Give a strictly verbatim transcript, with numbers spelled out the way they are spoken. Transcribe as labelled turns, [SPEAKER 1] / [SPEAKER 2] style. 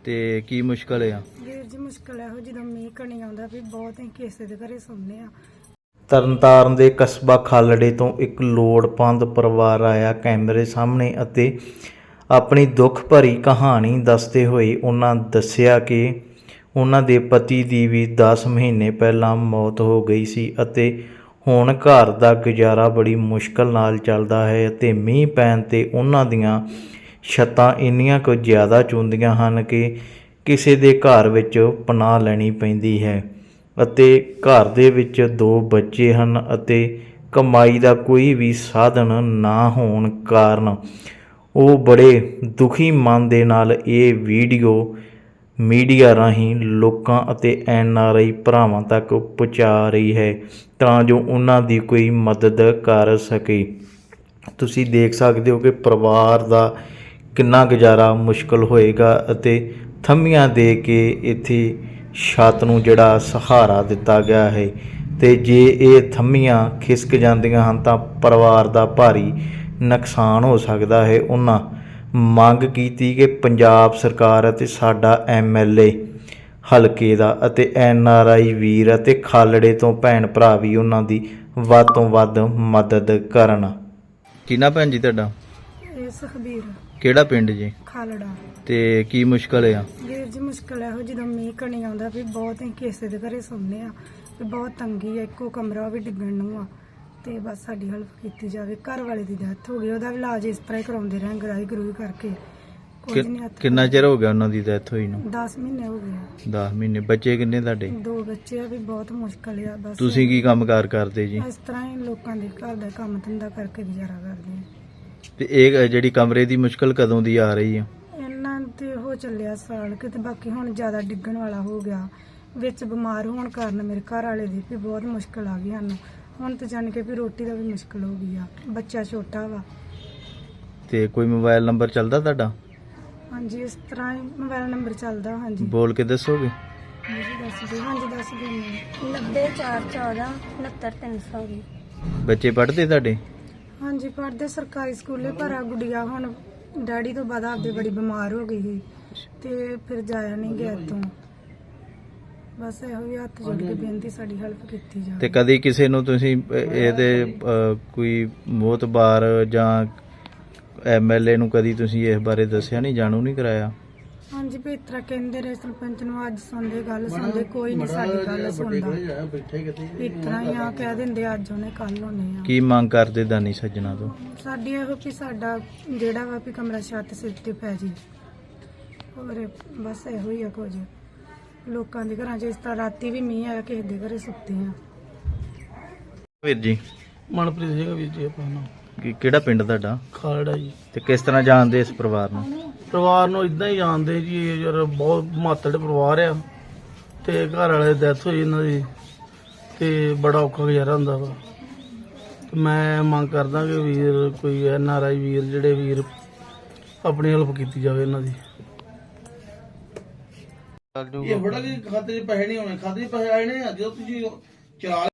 [SPEAKER 1] ਤੇ ਕੀ ਮੁਸ਼ਕਲ ਆ?
[SPEAKER 2] ਵੀਰ ਜੀ ਮੁਸ਼ਕਲ ਇਹੋ ਜਦੋਂ ਮੀਂਹ ਕਣੀ ਆਉਂਦਾ ਵੀ ਬਹੁਤ ਹੀ ਕਿਸੇ ਦੇ ਘਰੇ ਸੌਂਦੇ ਆ।
[SPEAKER 1] ਤਰਨਤਾਰਨ ਦੇ ਕਸਬਾ ਖਾਲੜੇ ਤੋਂ ਇੱਕ ਲੋੜਵੰਦ ਪਰਿਵਾਰ ਆਇਆ ਕੈਮਰੇ ਸਾਹਮਣੇ ਅਤੇ ਆਪਣੀ ਦੁੱਖ ਭਰੀ ਕਹਾਣੀ ਦੱਸਦੇ ਹੋਏ ਉਹਨਾਂ ਦੱਸਿਆ ਕਿ ਉਹਨਾਂ ਦੇ ਪਤੀ ਦੀ ਵੀ ਦਸ ਮਹੀਨੇ ਪਹਿਲਾਂ ਮੌਤ ਹੋ ਗਈ ਸੀ ਅਤੇ ਹੁਣ ਘਰ ਦਾ ਗੁਜ਼ਾਰਾ ਬੜੀ ਮੁਸ਼ਕਲ ਨਾਲ ਚੱਲਦਾ ਹੈ ਅਤੇ ਮੀਂਹ ਪੈਣ 'ਤੇ ਉਹਨਾਂ ਦੀਆਂ ਛੱਤਾਂ ਇੰਨੀਆਂ ਕੁ ਜ਼ਿਆਦਾ ਚੁੰਦੀਆਂ ਹਨ ਕਿ ਕਿਸੇ ਦੇ ਘਰ ਵਿੱਚ ਪਨਾਹ ਲੈਣੀ ਪੈਂਦੀ ਹੈ ਅਤੇ ਘਰ ਦੇ ਵਿੱਚ ਦੋ ਬੱਚੇ ਹਨ ਅਤੇ ਕਮਾਈ ਦਾ ਕੋਈ ਵੀ ਸਾਧਨ ਨਾ ਹੋਣ ਕਾਰਨ ਉਹ ਬੜੇ ਦੁਖੀ ਮਨ ਦੇ ਨਾਲ ਇਹ ਵੀਡੀਓ ਮੀਡੀਆ ਰਾਹੀਂ ਲੋਕਾਂ ਅਤੇ ਐਨ ਆਰ ਆਈ ਭਰਾਵਾਂ ਤੱਕ ਪਹੁੰਚਾ ਰਹੀ ਹੈ ਤਾਂ ਜੋ ਉਹਨਾਂ ਦੀ ਕੋਈ ਮਦਦ ਕਰ ਸਕੇ। ਤੁਸੀਂ ਦੇਖ ਸਕਦੇ ਹੋ ਕਿ ਪਰਿਵਾਰ ਦਾ ਕਿੰਨਾ ਗੁਜ਼ਾਰਾ ਮੁਸ਼ਕਲ ਹੋਏਗਾ ਅਤੇ ਥੰਮੀਆਂ ਦੇ ਕੇ ਇੱਥੇ ਛੱਤ ਨੂੰ ਜਿਹੜਾ ਸਹਾਰਾ ਦਿੱਤਾ ਗਿਆ ਹੈ ਅਤੇ ਜੇ ਇਹ ਥੰਮੀਆਂ ਖਿਸਕ ਜਾਂਦੀਆਂ ਹਨ ਤਾਂ ਪਰਿਵਾਰ ਦਾ ਭਾਰੀ ਨੁਕਸਾਨ ਹੋ ਸਕਦਾ ਹੈ। ਉਹਨਾਂ ਮੰਗ ਕੀਤੀ ਕਿ ਪੰਜਾਬ ਸਰਕਾਰ ਅਤੇ ਸਾਡਾ ਐਮ ਐਲ ਏ ਹਲਕੇ ਦਾ ਅਤੇ ਐਨ ਆਰ ਆਈ ਵੀਰ ਅਤੇ ਖਾਲੜੇ ਤੋਂ ਭੈਣ ਭਰਾ ਵੀ ਉਹਨਾਂ ਦੀ ਵੱਧ ਤੋਂ ਵੱਧ ਮਦਦ ਕਰਨ। ਕਿੰਨਾ ਭੈਣ ਜੀ ਤੁਹਾਡਾ?
[SPEAKER 2] ਇਹ ਸੁਖਬੀਰ।
[SPEAKER 1] ਕਿਹੜਾ ਪਿੰਡ ਜੀ?
[SPEAKER 2] ਖਾਲੜਾ।
[SPEAKER 1] ਤੇ ਕੀ ਮੁਸ਼ਕਲ ਆ?
[SPEAKER 2] ਵੀਰ ਜੀ ਮੁਸ਼ਕਲ ਇਹੋ ਜਦੋਂ ਮੀਂਹ ਕਣੀ ਆਉਂਦਾ ਵੀ ਬਹੁਤ ਹੀ ਕਿਸੇ ਦੇ ਘਰੇ ਸੌਂਦੇ ਆ ਵੀ ਬਹੁਤ ਤੰਗੀ ਆ, ਇੱਕੋ ਕਮਰਾ ਉਹ ਵੀ ਡਿੱਗਣ ਨੂੰ ਆ ਤੇ ਬਸ ਸਾਡੀ ਹੈਲਪ ਕੀਤੀ ਜਾਵੇ। ਘਰ ਵਾਲੇ ਦੀ ਡੈਥ ਹੋ ਗਈ, ਉਹਦਾ ਵੀ ਇਲਾਜ ਇਸ ਤਰ੍ਹਾਂ ਹੀ ਕਰਾਉਂਦੇ ਰਹੇ ਗਰਾਈ ਗਰੂਈ ਕਰਕੇ। ਕੁਝ ਨਹੀਂ ਹੱਥ।
[SPEAKER 1] ਕਿੰਨਾ ਚਿਰ ਹੋ ਗਿਆ ਉਹਨਾਂ ਦੀ ਡੈਥ ਹੋਈ ਨੂੰ?
[SPEAKER 2] ਦਸ ਮਹੀਨੇ ਹੋ ਗਏ।
[SPEAKER 1] ਦਸ ਮਹੀਨੇ। ਬੱਚੇ ਕਿੰਨੇ ਤੁਹਾਡੇ?
[SPEAKER 2] ਦੋ ਬੱਚੇ ਆ ਵੀ ਬਹੁਤ ਮੁਸ਼ਕਲ ਆ। ਬਸ
[SPEAKER 1] ਤੁਸੀਂ ਕੀ ਕੰਮਕਾਰ ਕਰਦੇ ਜੀ?
[SPEAKER 2] ਇਸ ਤਰ੍ਹਾਂ ਹੀ ਲੋਕਾਂ ਦੇ ਘਰ ਦਾ ਕੰਮ ਧੰਦਾ ਕਰਕੇ ਗੁਜ਼ਾਰਾ ਕਰਦੇ ਆ।
[SPEAKER 1] ਤੇ ਇਹ ਜਿਹੜੀ ਕਮਰੇ ਦੀ ਮੁਸ਼ਕਲ ਕਦੋਂ ਦੀ ਆ ਰਹੀ ਆ?
[SPEAKER 2] ਇਹਨਾਂ ਤੇ ਹੋ ਚੱਲਿਆ ਸਾਲ ਕਿਤੇ, ਬਾਕੀ ਹੁਣ ਜ਼ਿਆਦਾ ਡਿੱਗਣ ਵਾਲਾ ਹੋ ਗਿਆ। ਵਿੱਚ ਬਿਮਾਰ ਹੋਣ ਕਾਰਨ ਮੇਰੇ ਘਰ ਵਾਲੇ ਦੀ ਵੀ ਬਹੁਤ ਮੁਸ਼ਕਲ ਆ ਗਈ ਸਾਨੂੰ। ਹੁਣ ਤਾਂ ਜਾਣ ਕੇ ਵੀ ਰੋਟੀ ਦਾ ਵੀ ਮੁਸ਼ਕਲ ਹੋ ਗਈ ਆ, ਬੱਚਾ ਛੋਟਾ ਵਾ। ਤੇ
[SPEAKER 1] ਕੋਈ ਮੋਬਾਈਲ ਨੰਬਰ ਚੱਲਦਾ ਤੁਹਾਡਾ?
[SPEAKER 2] ਹਾਂਜੀ, ਇਸ ਤਰ੍ਹਾਂ ਹੀ ਮੋਬਾਈਲ ਨੰਬਰ ਚੱਲਦਾ। ਹਾਂਜੀ,
[SPEAKER 1] ਬੋਲ ਕੇ ਦੱਸੋਗੇ?
[SPEAKER 2] ਹਾਂਜੀ ਦੱਸ ਦਿਓ। ਹਾਂਜੀ ਦੱਸ ਦਿਓ। ਨੱਬੇ ਚਾਰ ਚੌਦਾਂ ਉਣਹੱਤਰ ਤਿੰਨ ਸੌ ਵੀਹ।
[SPEAKER 1] ਬੱਚੇ ਪੜ੍ਹਦੇ ਤੁਹਾਡੇ?
[SPEAKER 2] ਹਾਂਜੀ ਪੜ੍ਹਦੇ ਸਰਕਾਰੀ ਸਕੂਲੇ, ਪਰ ਆ ਗੁੜੀਆ ਹੁਣ ਡੈਡੀ ਤੋਂ ਬਾਅਦ ਆਪਦੇ ਬੜੀ ਬਿਮਾਰ ਹੋ ਗਈ ਸੀ ਤੇ ਫਿਰ ਜਾਇਆ ਨਹੀਂ ਗਿਆ ਇੱਥੋਂ। ਬਸ ਇਹੋ ਹੀ ਹੱਥ ਜੋੜ ਕੇ ਬੇਨਤੀ ਸਾਡੀ ਹੈਲਪ ਕੀਤੀ ਜਾਵੇ।
[SPEAKER 1] ਤੇ ਕਦੀ ਕਿਸੇ ਨੂੰ ਤੁਸੀਂ ਇਹਦੇ ਅਹ, ਕੋਈ ਮੋਹਤਬਾਰ ਜਾਂ ਐਮ ਐਲ ਏ ਨੂੰ ਕਦੀ ਤੁਸੀਂ ਇਸ ਬਾਰੇ ਦੱਸਿਆ ਨਹੀਂ, ਜਾਣੂ ਨਹੀਂ ਕਰਾਇਆ?
[SPEAKER 2] ਹਾਂਜੀ ਵੀ ਇਸ ਤਰ੍ਹਾਂ ਕਹਿੰਦੇ ਰਹੇ ਸਰਪੰਚ ਨੂੰ, ਅੱਜ ਸੁਣਦੇ ਗੱਲ ਸੁਣਦੇ, ਕੋਈ ਨਹੀਂ ਸਾਡੀ ਗੱਲ ਸੁਣਦਾ। ਇਸ ਤਰ੍ਹਾਂ ਹੀ ਆ ਕਹਿ ਦਿੰਦੇ ਅੱਜ ਉਹਨੇ ਕੱਲ ਹੋਣੇ ਆ।
[SPEAKER 1] ਕੀ ਮੰਗ ਕਰਦੇ ਦਾਨੀ ਸੱਜਣਾ ਤੋਂ?
[SPEAKER 2] ਸਾਡੀ ਇਹੋ ਵੀ ਸਾਡਾ ਜਿਹੜਾ ਵਾ ਵੀ ਕਮਰਾ ਛੱਤ ਸਿਰ ਤੇ ਪੈ ਜੀ। ਹੋਰ ਬਸ ਇਹੋ ਹੀ ਆ ਕੁਝ। ਲੋਕਾਂ ਦੇ ਘਰਾਂ 'ਚ ਇਸ ਤਰ੍ਹਾਂ ਰਾਤੀ ਵੀ ਮੀਂਹ ਆਇਆ, ਕਿਸੇ ਦੇ ਘਰੇ ਸੁੱਤੇ ਆ।
[SPEAKER 1] ਵੀਰ ਜੀ?
[SPEAKER 3] ਮਨਪ੍ਰੀਤ ਸਿੰਘ ਵੀਰ ਜੀ। ਆਪਣਾ ਨਾਮ
[SPEAKER 1] ਕੀ ਕਿਹੜਾ ਪਿੰਡ ਤੁਹਾਡਾ?
[SPEAKER 3] ਖਾਲੜਾ ਜੀ।
[SPEAKER 1] ਤੇ ਕਿਸ ਤਰ੍ਹਾਂ ਜਾਣਦੇ ਇਸ ਪਰਿਵਾਰ ਨੂੰ?
[SPEAKER 3] ਪਰਿਵਾਰ ਨੂੰ ਇਦਾਂ ਹੀ ਜਾਣਦੇ ਜੀ, ਇਹ ਯਾਰ ਬਹੁਤ ਮਾਤੜ ਪਰਿਵਾਰ ਆ ਤੇ ਘਰ ਵਾਲੇ ਦੀ ਡੈਥ ਹੋਈ ਇਹਨਾਂ ਦੀ ਤੇ ਬੜਾ ਔਖਾ ਗੁਜ਼ਾਰਾ ਹੁੰਦਾ ਵਾ। ਤੇ ਮੈਂ ਮੰਗ ਕਰਦਾ ਕਿ ਵੀਰ ਕੋਈ ਐਨ ਆਰ ਆਈ ਵੀਰ ਜਿਹੜੇ ਵੀਰ ਆਪਣੀ ਹੈਲਪ ਕੀਤੀ ਜਾਵੇ ਇਹਨਾਂ ਦੀ। ਇਹ ਬੜਾ ਕਿ ਖਾਤੇ 'ਚ ਪੈਸੇ ਨਹੀਂ ਹੋਣੇ, ਖਾਤੇ 'ਚ ਪੈਸੇ ਆਏ ਨੇ ਜਦੋਂ ਤੁਸੀਂ ਚਲਾ